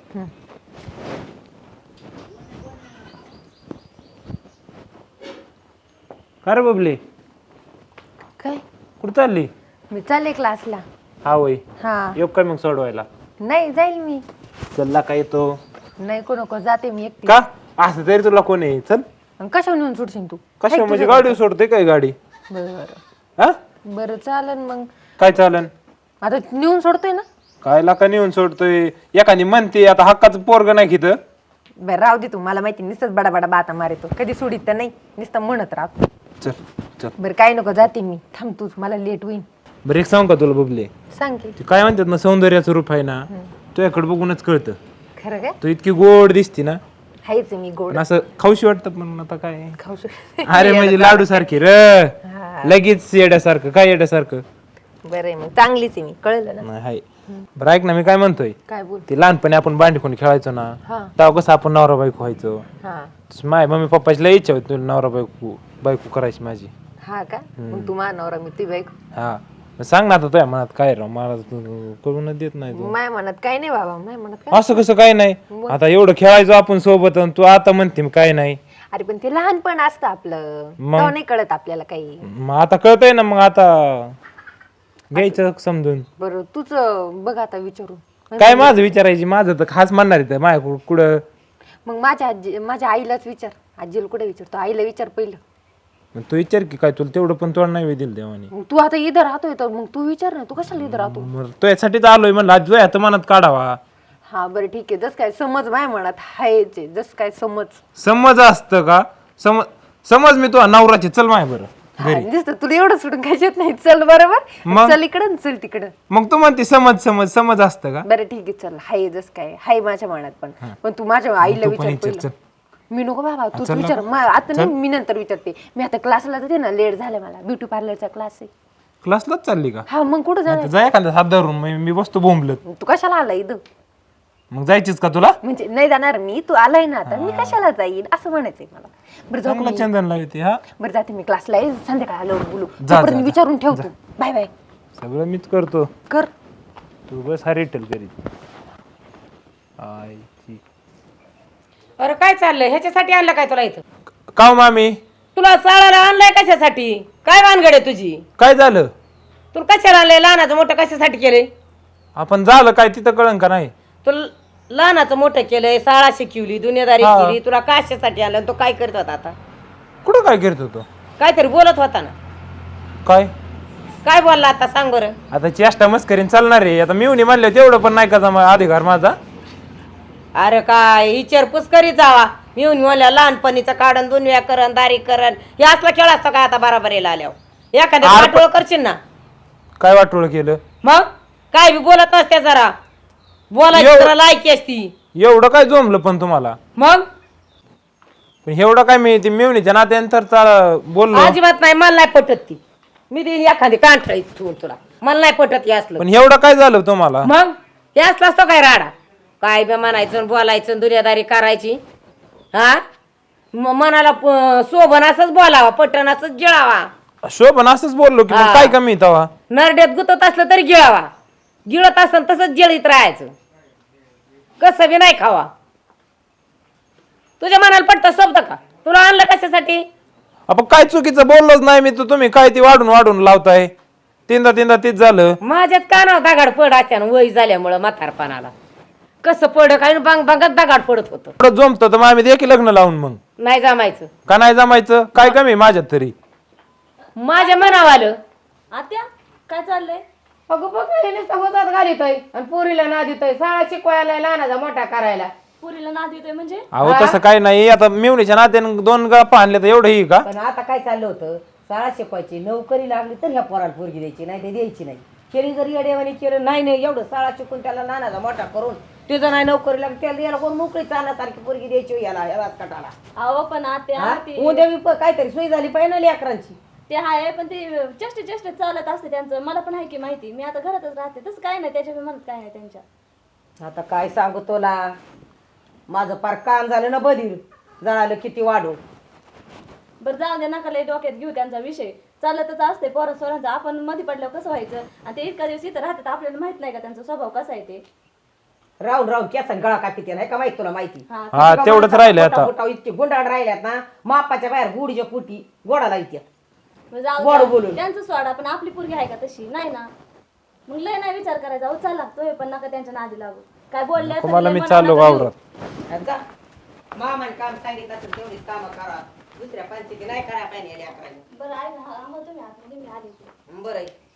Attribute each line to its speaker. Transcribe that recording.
Speaker 1: का रे बबली
Speaker 2: काय
Speaker 1: कुठं चालली?
Speaker 2: मी चालले क्लासला.
Speaker 1: हा वय
Speaker 2: हा
Speaker 1: येऊ का मग सोडवायला?
Speaker 2: नाही जाईल मी.
Speaker 1: चलला का येतो?
Speaker 2: नाही नको जाते मी एकटी.
Speaker 1: का असं तरी तुला कोण आहे? चल.
Speaker 2: कशावर नेऊन सोडशील तू?
Speaker 1: कशा म्हणजे गाडी सोडते काय गाडी?
Speaker 2: बरं
Speaker 1: हा
Speaker 2: बरं चालन मग.
Speaker 1: काय चालन?
Speaker 2: आता नेऊन सोडतोय ना.
Speaker 1: काय लाका नेऊन सोडतोय? एखादी म्हणते आता हक्काचं पोरग नाही घेत.
Speaker 2: बरं राहू दे तू, मला माहिती नुसतंच बडा बडा बाता मारतो, कधी सोडित तर नाही, नुसतं म्हणत राहतो.
Speaker 1: चल चल.
Speaker 2: बरं काय नको जाते मी, थांब तूच, मला लेट होईल.
Speaker 1: बरं एक सांग का तुला बबले?
Speaker 2: सांग की.
Speaker 1: ते काय म्हणतात ना सौंदर्याचं रूप आहे ना, तुझ्याकडे बघूनच कळतं.
Speaker 2: खरं काय?
Speaker 1: तू इतकी गोड दिसती ना,
Speaker 2: हायच मी गोड
Speaker 1: पण असं खाऊशी वाटतं पण आता काय.
Speaker 2: खाऊ शकते.
Speaker 1: अरे म्हणजे लाडू सारखी र लगेच येड्यासारखं. काय येड्यासारखं?
Speaker 2: बरं आहे मग, चांगलीच आहे मी, कळलं ना.
Speaker 1: नाही हाय. बरं ऐक ना, मी काय म्हणतोय,
Speaker 2: काय बोल.
Speaker 1: ते लहानपणी आपण बांडीकोणी खेळायचो ना,
Speaker 2: हा
Speaker 1: तेव्हा कसं आपण नवरा बायको व्हायचो.
Speaker 2: हा
Speaker 1: माय मम्मी पप्पाची लई इच्छा होती तुला नवरा बायको करायची माझी.
Speaker 2: हा का? मग तू मानवरा मी ती बाईक.
Speaker 1: हा मग सांग ना आता तुझ्या मनात काय राव, मला तू करूनच देत नाही तू.
Speaker 2: माय म्हणत काय नाही बाबा, माय म्हणत काय.
Speaker 1: असं कसं काय नाही? आता एवढं खेळायचो आपण सोबत आणि तू आता म्हणते मी काय नाही.
Speaker 2: अरे पण ते लहानपण असतं आपलं, तेव्हा नाही कळत आपल्याला काही.
Speaker 1: मग आता कळतंय ना, मग आता घ्यायचं समजून.
Speaker 2: बरं तूच बघ आता विचारून.
Speaker 1: काय माझं विचारायची? माझं तर खास म्हणणार आहे माझ्या कुठं.
Speaker 2: मग माझ्या आईलाच विचार. आजीला कुठे विचारतो, आईला विचार पहिलं.
Speaker 1: मग तू विचार की, काय तुला तेवढं पण तोड नाही दिलं देवाने.
Speaker 2: मग तू आता इथं राहतोय तर मग तू विचार ना, तू कशाला इथं राहतो.
Speaker 1: मग तो यासाठीच आलोय म्हणलं, आज तुझ्या हात मनात काढावा.
Speaker 2: हा बरं ठीक आहे, जस काय समज माय म्हणत हायच, जस काय समज.
Speaker 1: समज असतं का? समज मी तुझा नवराचे. चल माय बरं
Speaker 2: दिसत तुला एवढं सोडून काय येत नाही. चल बरोबर,
Speaker 1: मग?
Speaker 2: चल इकडं चल तिकडं.
Speaker 1: मग तू म्हणते समज समज समज असतं का?
Speaker 2: बरं ठीक आहे चल, हाय जस काय हाय माझ्या मनात पण तू माझ्या आईला
Speaker 1: तू पण
Speaker 2: विचार
Speaker 1: विचार,
Speaker 2: पहिलं.
Speaker 1: चल.
Speaker 2: मी नको बाबा, तूच
Speaker 1: चल
Speaker 2: विचार.
Speaker 1: नको.
Speaker 2: आता नाही, मी नंतर विचारते. मी आता क्लासला जाते ना, लेट झालं मला, ब्युटी पार्लरचा क्लास आहे.
Speaker 1: क्लासलाच चालली का?
Speaker 2: हा मग कुठं जाणार?
Speaker 1: जा एखादा हात धरून, मी बसतो बोंबलत.
Speaker 2: तू कशाला आला इथं?
Speaker 1: मग जायचीच का तुला?
Speaker 2: म्हणजे नाही जाणार मी, तू आलाय ना आता, मी कशाला जाईन असं म्हणायचंय मला. बरं जाऊ
Speaker 1: चांगला
Speaker 2: का मी?
Speaker 1: चंदन लावते. हा
Speaker 2: बरं जाते मी क्लासला, संध्याकाळी आल्यावर बोलू.
Speaker 1: जा,
Speaker 2: तोपर्यंत
Speaker 1: जा.
Speaker 2: विचारून ठेवतो. Bye bye.
Speaker 1: सगळं मीच करतो.
Speaker 2: कर.
Speaker 1: तू बस हा रिटल करीत. आईची
Speaker 3: अरे काय चाललंय? ह्याच्यासाठी आणलं काय तुला इथं?
Speaker 1: का मामी?
Speaker 3: तुला साळाला आणलाय कशासाठी? काय भानगड आहे तुझी?
Speaker 1: काय झालं?
Speaker 3: तुला कशाला आणलंय? लहानाचं मोठं कशासाठी केलंय?
Speaker 1: आपण झालं काय तिथं कळण का नाही?
Speaker 3: तुला लहानाचं मोठं केलंय, शाळा शिकवली, दुनियादारी
Speaker 1: हा.
Speaker 3: केली, तुला कशासाठी आणलं? तो काय करत होता आता?
Speaker 1: कुठं काय करत होतो?
Speaker 3: काहीतरी बोलत होता ना.
Speaker 1: काय
Speaker 3: काय बोलला आता सांग बरं?
Speaker 1: आता चेष्टा मस्करीन चालणार आहे. आता मिळून म्हणलं तेवढं पण नाही का जमा अधिकार माझा.
Speaker 3: अरे काय विचारपूस करीत जावा. येऊन म्हणल्या लहानपणीचं काढण, दुनिया करण, दारी करण, हे असला खेळ असतो काय आता बराबरीला आल्यावर? एखाद्या
Speaker 1: अरे
Speaker 3: वाटोळ करशील ना.
Speaker 1: काय वाटोळ केलं?
Speaker 3: मग काय बी बोलत नसते, जरा बोलायची
Speaker 1: एवढं-
Speaker 3: जरा लायकी असती.
Speaker 1: एवढं काय जमलं पण तुम्हाला?
Speaker 3: मग
Speaker 1: पण एवढं काय मी ती मिळणीच्या नात्यानंतर बोललो.
Speaker 3: अजिबात नाही, मला नाही पटत ती. मी देईन एखादी कांठळी ठेवून तुला, मला नाही पटत हे असलं.
Speaker 1: पण एवढं काय झालं तुम्हाला?
Speaker 3: मग हे असलं असतो काय राडा? काय बी म्हणायचं आणि बोलायचं, दुनियादारी करायची. हा मनाला शोभन असंच बोलावा, पटन असंच गिळावा.
Speaker 1: शोभन असंच बोललो की, मग काय कमी तेव्हा?
Speaker 3: नरड्यात गुतत असलं तरी गिळावा, गिळत असलं तसंच गिळीत राहायचं, कसं बी नाही खावा. तुझ्या मनाला पटतं शब्द का? तुला आणलं कशासाठी?
Speaker 1: आपण काय चुकीचं बोललोच नाही मी. तुम्ही काय ती वाढून वाढून लावताय. तीनदा तीच झालं.
Speaker 3: माझ्यात कानावर दगाड पड अचानक वय झाल्यामुळं म्हातारपणाला. कसं पड काय भांगत दगाड पडत होतं.
Speaker 1: एवढं जमतं तर मग आम्ही देखील लग्न लावून मग
Speaker 3: नाही जमायचं.
Speaker 1: का नाही जमायचं? काय कमी माझ्यात तरी?
Speaker 3: माझ्या मनावर आलं.
Speaker 4: आत्या काय चाललंय?
Speaker 3: अगं बघ होतात घालितोय आणि पोरीला ना देतोय, शाळा शिकवायला, लहानाचा मोठा करायला.
Speaker 4: पुरीला नाद येतोय म्हणजे?
Speaker 1: अहो तसं काय नाही. आता मिळणीच्या नात्याने 2 गप्पा आणले तर एवढं ही का?
Speaker 3: पण आता काय चाललं होतं, शाळा शिकवायची, नोकरी लागली तर ह्या पोराला पोरगी द्यायची, नाही ते द्यायची नाही. केली जरी येडेवानी केलं नाही एवढं शाळा शिकून त्याला नानाचा मोठा करून तिचं नाही नोकरी लागली, त्याला याला कोण मोकळी चालण्यासारखी पोरगी द्यायची याला राजकाटाला.
Speaker 4: अहो पण आत्या ते
Speaker 3: उद्या बी काहीतरी सोय झाली पाहिजे ना लेकरांची.
Speaker 4: ते आहे, पण ते चेष्टे चालत असते त्यांचं. मला पण आहे की माहिती, मी आता घरातच राहते, तसं काय नाही त्याच्या म्हणत काय नाही त्यांच्या.
Speaker 3: आता काय सांगू तुला, माझं पार कान झालं ना बधीर, जळालं किती वाढू.
Speaker 4: बरं जाऊ दे, नका लय डोक्यात घेऊ त्यांचा विषय. चालतच असते पोरं सोरांचं, आपण मध्ये पडल्यावर कसं व्हायचं, आणि ते इतका दिवस इथं राहतात, आपल्याला माहित नाही का त्यांचा स्वभाव कसा आहे ते.
Speaker 3: राहून राहून केसन गळा कापिते नाही का माहिती तुला माहिती
Speaker 1: हा तेवढंच राहिलं आता.
Speaker 3: पोटावर इतके गुंडाळ राहिल्यात ना मापाच्या बाहेर गुडीच्या पोटी गोडा लावत्यात
Speaker 4: मग जाऊ
Speaker 3: गोड
Speaker 4: द्या.
Speaker 3: बोलून.
Speaker 4: त्यांचं सोडा पण आपली पोरगी आहे का तशी नाही ना. मग लय नाही विचार करायचा. हो चला तुम्ही पण नका त्यांच्या नादी लागू. काय बोलले तर
Speaker 1: तुम्हाला
Speaker 4: लय
Speaker 1: मी
Speaker 4: मनात
Speaker 1: चाललो
Speaker 4: नका घेऊ.
Speaker 1: वावरात.
Speaker 3: आणि जा मामाने काम सांगितलं असेल तेवढीच कामं करा दुसऱ्या पंचायती नाही करा पाहिजे
Speaker 4: बरं आहे ना आम्हाला तुम्ही आतमध्ये मी आले
Speaker 3: बरं आहे.